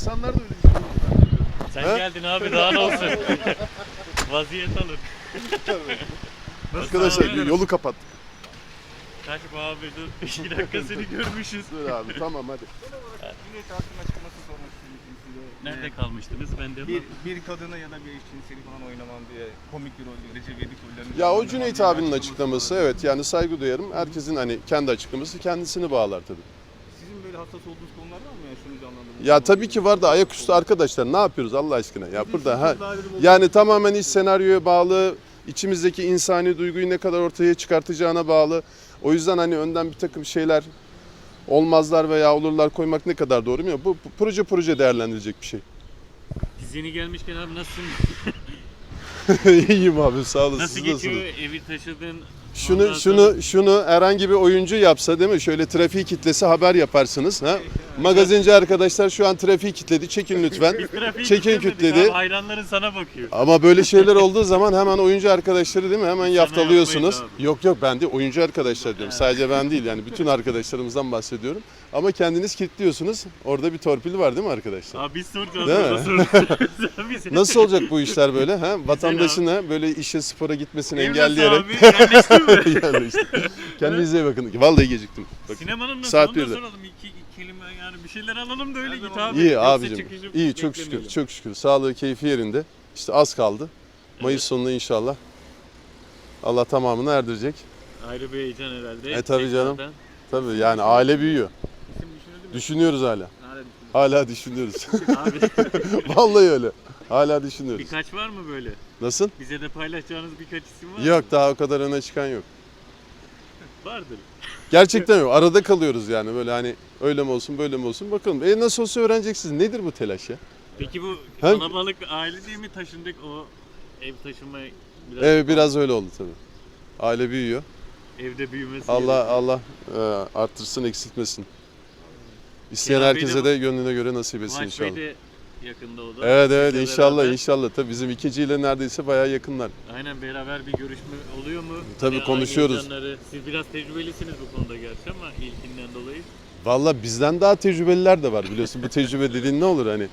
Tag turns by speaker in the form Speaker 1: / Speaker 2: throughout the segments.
Speaker 1: İnsanlar da öyle düşünüyor.
Speaker 2: Sen geldin abi, daha ne olsun. Vaziyet alın.
Speaker 1: Arkadaşlar yolu kapattık.
Speaker 2: Kaç bu abi, dur 2 dakika seni görmüşüz.
Speaker 1: Dur abi tamam hadi.
Speaker 3: Cüneyt Arkın'ın açıklaması sormak istedim size.
Speaker 2: Nerede kalmıştınız? Ben de
Speaker 3: Bir kadına ya da bir eşcinseli falan oynamam diye komik bir rol, Recep İvedik rollerini...
Speaker 1: Ya o Cüneyt abinin açıklaması evet yani saygı duyarım. Herkesin hani kendi açıklaması kendisini bağlar tabii.
Speaker 3: Sizin böyle hassas olduğunuz konular var mı ya şunu canlandırmak?
Speaker 1: Ya tabii ki var da ayaküstü arkadaşlar ne yapıyoruz Allah aşkına? Ya burada yani tamamen iş senaryoya bağlı, içimizdeki insani duyguyu ne kadar ortaya çıkartacağına bağlı. O yüzden hani önden bir takım şeyler olmazlar veya olurlar koymak ne kadar doğru mu? Bu proje değerlendirilecek bir şey.
Speaker 2: Biz yeni gelmişken abi nasılsın?
Speaker 1: İyiyim abi sağ olasın.
Speaker 2: Nasıl
Speaker 1: Siz
Speaker 2: geçiyor?
Speaker 1: nasılsınız?
Speaker 2: Evi taşıdın. Ondan
Speaker 1: Şunu herhangi bir oyuncu yapsa değil mi? Şöyle trafiği kitlese haber yaparsınız. Ha? Magazinci arkadaşlar şu an trafiği kilitledi. Çekin lütfen.
Speaker 2: Biz trafiği
Speaker 1: Çekin
Speaker 2: kilitlemedik
Speaker 1: kilitledi.
Speaker 2: abi, hayranların sana bakıyor.
Speaker 1: Ama böyle şeyler olduğu zaman hemen oyuncu arkadaşları değil mi? Hemen yaftalıyorsunuz.
Speaker 2: yapmayın
Speaker 1: Yok ben de oyuncu arkadaşlar diyorum. Sadece ben değil yani bütün arkadaşlarımızdan bahsediyorum. Ama kendiniz kilitliyorsunuz. Orada bir torpil var değil mi arkadaşlar?
Speaker 2: Abi biz soracağız.
Speaker 1: Değil mi?
Speaker 2: orada soracağız. Biz-
Speaker 1: Nasıl olacak bu işler böyle? Ha? Vatandaşın ha, böyle işe spora gitmesini
Speaker 2: Ev nasıl
Speaker 1: engelleyerek.
Speaker 2: abi? Yerleştin mi?
Speaker 1: Yani işte. Kendinize iyi bakın. Vallahi geciktim. Bak.
Speaker 2: Sinemanın nasıl?
Speaker 1: Saat
Speaker 2: Onu da
Speaker 1: 1'de.
Speaker 2: soralım. İki kelime yani bir şeyler alalım da öyle git abi.
Speaker 1: İyi
Speaker 2: Yoksa
Speaker 1: abicim.
Speaker 2: çıkışı
Speaker 1: İyi çok şükür.
Speaker 2: beklemeyelim.
Speaker 1: Çok şükür. Sağlığı, keyfi yerinde. İşte az kaldı. Mayıs sonunda inşallah. Allah tamamını erdirecek.
Speaker 2: Ayrı bir heyecan herhalde.
Speaker 1: Tabii canım.
Speaker 2: Tekrardan.
Speaker 1: Tabii yani aile büyüyor.
Speaker 3: İsim düşünüldü mü?
Speaker 1: Düşünüyoruz hala.
Speaker 3: Hala
Speaker 1: Hala düşünüyoruz.
Speaker 2: Abi
Speaker 1: Vallahi öyle. Hala düşünüyoruz.
Speaker 2: birkaç var mı böyle?
Speaker 1: Nasıl?
Speaker 2: Bize de paylaşacağınız birkaç isim var mı?
Speaker 1: Yok daha o kadar öne çıkan yok.
Speaker 2: Vardır.
Speaker 1: Gerçekten yok. Arada kalıyoruz yani böyle hani öyle mi olsun böyle mi olsun bakalım. Nasıl olsa öğreneceksiniz. Nedir bu telaş ya?
Speaker 2: Peki bu
Speaker 1: Hem-
Speaker 2: kalabalık aile diye mi taşındık, o ev taşıma biraz
Speaker 1: Evet biraz öyle oldu tabii. Aile büyüyor.
Speaker 2: evde büyümesi
Speaker 1: Allah arttırsın eksiltmesin. İsteyen
Speaker 2: Kenan Bey de
Speaker 1: herkese
Speaker 2: bu-
Speaker 1: de gönlüne göre nasip etsin
Speaker 2: Kıvanç Bey
Speaker 1: inşallah.
Speaker 2: de yakında o da.
Speaker 1: Evet
Speaker 2: Bizle
Speaker 1: inşallah
Speaker 2: beraber.
Speaker 1: inşallah. Tabii bizim ikiciyle neredeyse bayağı yakınlar.
Speaker 2: Aynen, beraber bir görüşme oluyor mu?
Speaker 1: Tabii,
Speaker 2: Aynı
Speaker 1: konuşuyoruz.
Speaker 2: heyecanları. Siz biraz tecrübelisiniz bu konuda gerçi ama ilkinden dolayı.
Speaker 1: Vallahi bizden daha tecrübeliler de var biliyorsun. Bu tecrübe dediğin ne olur hani.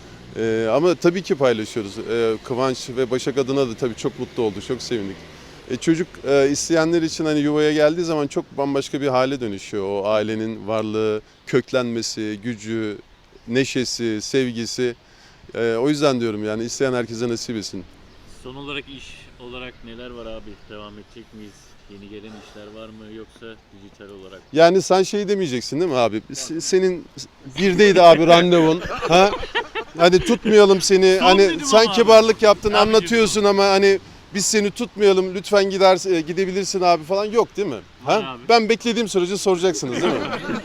Speaker 1: Ama tabii ki paylaşıyoruz. Kıvanç ve Başak adına da tabii çok mutlu olduk, çok sevindik. Çocuk isteyenler için hani yuvaya geldiği zaman çok bambaşka bir hale dönüşüyor. O ailenin varlığı, köklenmesi, gücü, neşesi, sevgisi. O yüzden diyorum yani isteyen herkese nasip etsin.
Speaker 2: Son olarak iş olarak neler var abi? Devam edecek miyiz? Yeni gelen işler var mı, yoksa dijital olarak?
Speaker 1: Yani sen şey demeyeceksin değil mi abi? Senin birdeydi abi randevun. Ha? Hadi tutmayalım seni.
Speaker 2: Son
Speaker 1: Hani
Speaker 2: dedim
Speaker 1: sen
Speaker 2: ama abi.
Speaker 1: kibarlık yaptın,
Speaker 2: Abi
Speaker 1: anlatıyorsun ama hani biz seni tutmayalım. Lütfen gidebilirsin abi falan yok değil mi?
Speaker 2: Var
Speaker 1: Ha?
Speaker 2: abi.
Speaker 1: Ben beklediğim sürece soracaksınız değil mi?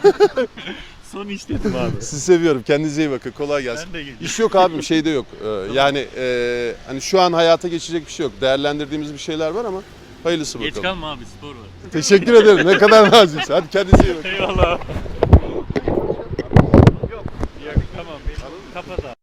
Speaker 2: Son iş dedim abi.
Speaker 1: Sizi seviyorum. Kendinize iyi bakın. Kolay gelsin.
Speaker 2: Ben de geleceğim.
Speaker 1: İş yok abim, şeyde yok. Yani hani şu an hayata geçecek bir şey yok. Değerlendirdiğimiz bir şeyler var ama hayırlısı
Speaker 2: Geç
Speaker 1: bakalım.
Speaker 2: kalma abi, spor var.
Speaker 1: Teşekkür ederim. Ne kadar naziksin. Hadi kendinize iyi bakın.
Speaker 2: Eyvallah. Yok. Tamam. Kapat abi.